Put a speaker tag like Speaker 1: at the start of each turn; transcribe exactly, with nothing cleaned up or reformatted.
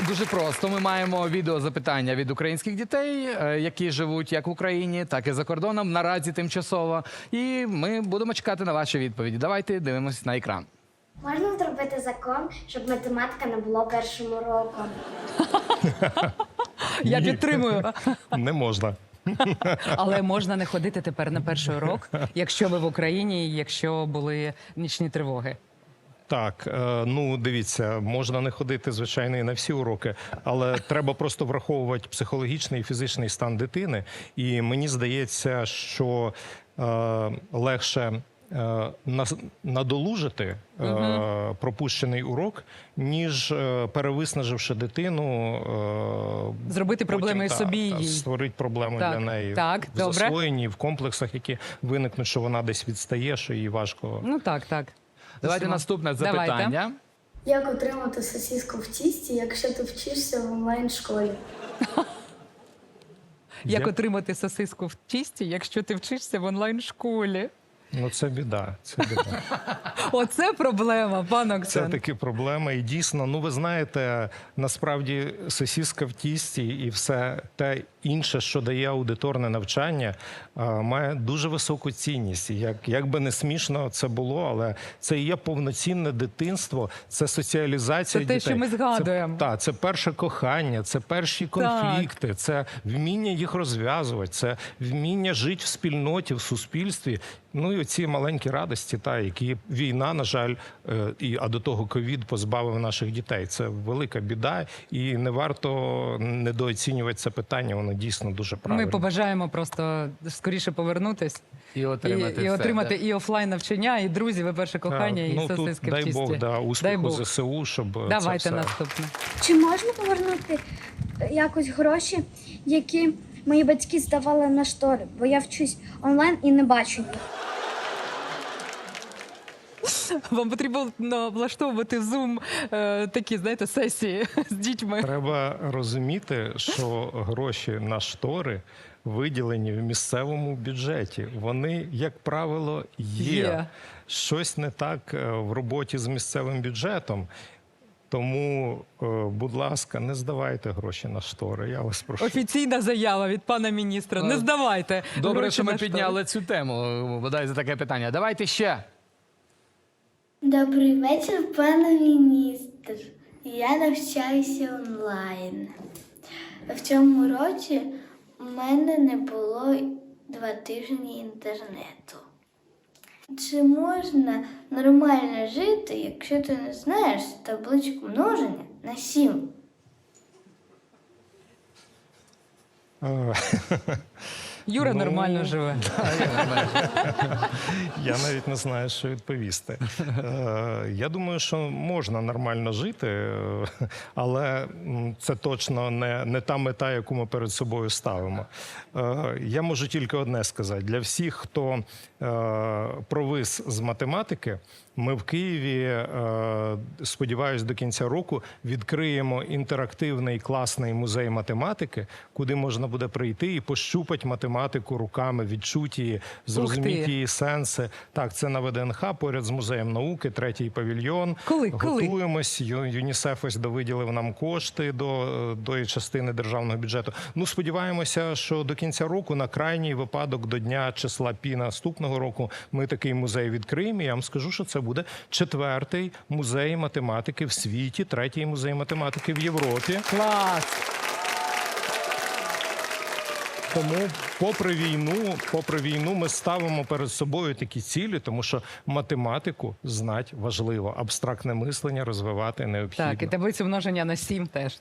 Speaker 1: дуже просто. Ми маємо відеозапитання від українських дітей, е, які живуть як в Україні, так і за кордоном, наразі тимчасово. І ми будемо чекати на ваші відповіді. Давайте дивимося на екран.
Speaker 2: Можна зробити закон, щоб математика не було першим уроком?
Speaker 3: Я підтримую.
Speaker 4: Не можна.
Speaker 3: Але можна не ходити тепер на перший урок, якщо ви в Україні, і якщо були нічні тривоги.
Speaker 4: Так, е, ну дивіться, можна не ходити, звичайно, і на всі уроки, але треба просто враховувати психологічний і фізичний стан дитини. І мені здається, що е, легше е, нас- надолужити е, пропущений урок, ніж е, перевиснаживши дитину. е,
Speaker 3: Зробити проблеми і
Speaker 4: та,
Speaker 3: собі, і
Speaker 4: та,
Speaker 3: їй.
Speaker 4: створити проблеми
Speaker 3: Так,
Speaker 4: для неї
Speaker 3: так,
Speaker 4: в
Speaker 3: добре.
Speaker 4: засвоєнні, в комплексах, які виникнуть, що вона десь відстає, що їй важко.
Speaker 3: Ну так, так.
Speaker 1: Давайте
Speaker 3: Усіма.
Speaker 1: наступне
Speaker 3: Давайте.
Speaker 1: запитання.
Speaker 5: Як отримати сосиску в тісті, якщо ти вчишся в онлайн-школі?
Speaker 3: Як
Speaker 4: Я-
Speaker 3: отримати сосиску в тісті, якщо ти вчишся в онлайн-школі?
Speaker 4: Ну це біда, це біда.
Speaker 3: Оце проблема, пан
Speaker 4: Це
Speaker 3: Оксан.
Speaker 4: такі проблеми. І дійсно, ну ви знаєте, насправді сосіска в тісті і все те інше, що дає аудиторне навчання, а, має дуже високу цінність. І Як, як би не смішно це було, але це і є повноцінне дитинство, це соціалізація
Speaker 3: Це те,
Speaker 4: дітей.
Speaker 3: що ми згадуємо.
Speaker 4: Це, та, це перше кохання, це перші конфлікти, це вміння їх розв'язувати, це вміння жити в спільноті, в суспільстві. Ну і оці маленькі радості, та, які війна, на жаль, е, і, а до того ковід позбавив наших дітей. Це велика біда, і не варто недооцінювати це питання, воно дійсно дуже правильне.
Speaker 3: Ми побажаємо просто скоріше повернутись
Speaker 1: І
Speaker 3: і,
Speaker 1: отримати,
Speaker 3: і
Speaker 1: все,
Speaker 3: отримати
Speaker 1: да?
Speaker 3: і офлайн навчання, і друзів, і перше кохання,
Speaker 4: Так,
Speaker 3: і
Speaker 4: ну, тут,
Speaker 3: сосиски в
Speaker 4: дай
Speaker 3: тісті.
Speaker 4: Бог, да,
Speaker 3: Дай
Speaker 4: успіху
Speaker 3: Бог.
Speaker 4: ЗСУ, щоб це
Speaker 3: Давайте
Speaker 4: все...
Speaker 3: наступне.
Speaker 2: Чи можна повернути е, якось гроші, які мої батьки здавали на штори? Бо я вчусь онлайн і не бачу їх.
Speaker 3: Вам потрібно влаштовувати Zoom, е, такі, знаєте, сесії з дітьми.
Speaker 4: Треба розуміти, що гроші на штори виділені в місцевому бюджеті. Вони, як правило, є.
Speaker 3: Є.
Speaker 4: Щось не так е, в роботі з місцевим бюджетом. Тому, е, будь ласка, не здавайте гроші на штори. Я вас прошу.
Speaker 3: Офіційна заява від пана міністра. Не здавайте.
Speaker 1: Добре,
Speaker 3: гроші
Speaker 1: що ми
Speaker 3: на штори.
Speaker 1: підняли цю тему, бодай за таке питання. Давайте ще.
Speaker 5: Добрий вечір, пане міністр. Я навчаюся онлайн. В цьому році у мене не було два тижні інтернету. Чи можна нормально жити, якщо ти не знаєш табличку множення на сім?
Speaker 4: Е,
Speaker 3: Юра
Speaker 4: Ну,
Speaker 3: нормально живе.
Speaker 4: Я навіть не знаю, що відповісти. Е, Я думаю, що можна нормально жити, е, але м, це точно не, не та мета, яку ми перед собою ставимо. Е, Я можу тільки одне сказати. Для всіх, хто е, провис з математики, ми в Києві, е, сподіваюсь, до кінця року відкриємо інтерактивний класний музей математики, куди можна буде прийти і пощупати математику руками, відчути її, зрозуміти її сенси. Так, це на ВДНХ, поряд з музеєм науки, третій павільйон.
Speaker 3: Коли? Коли?
Speaker 4: Готуємось. Ю- ЮНІСЕФ ось довиділив нам кошти до, до частини державного бюджету. Ну, сподіваємося, що до кінця року, на крайній випадок, до дня числа Пі наступного року, ми такий музей відкриємо. І я вам скажу, що це буде четвертий музей математики в світі, третій музей математики в Європі.
Speaker 3: Клас!
Speaker 4: Тому, попри війну, попри війну, ми ставимо перед собою такі цілі, тому що математику знати важливо, абстрактне мислення розвивати необхідно.
Speaker 3: Так, і таблицю множення на сім теж.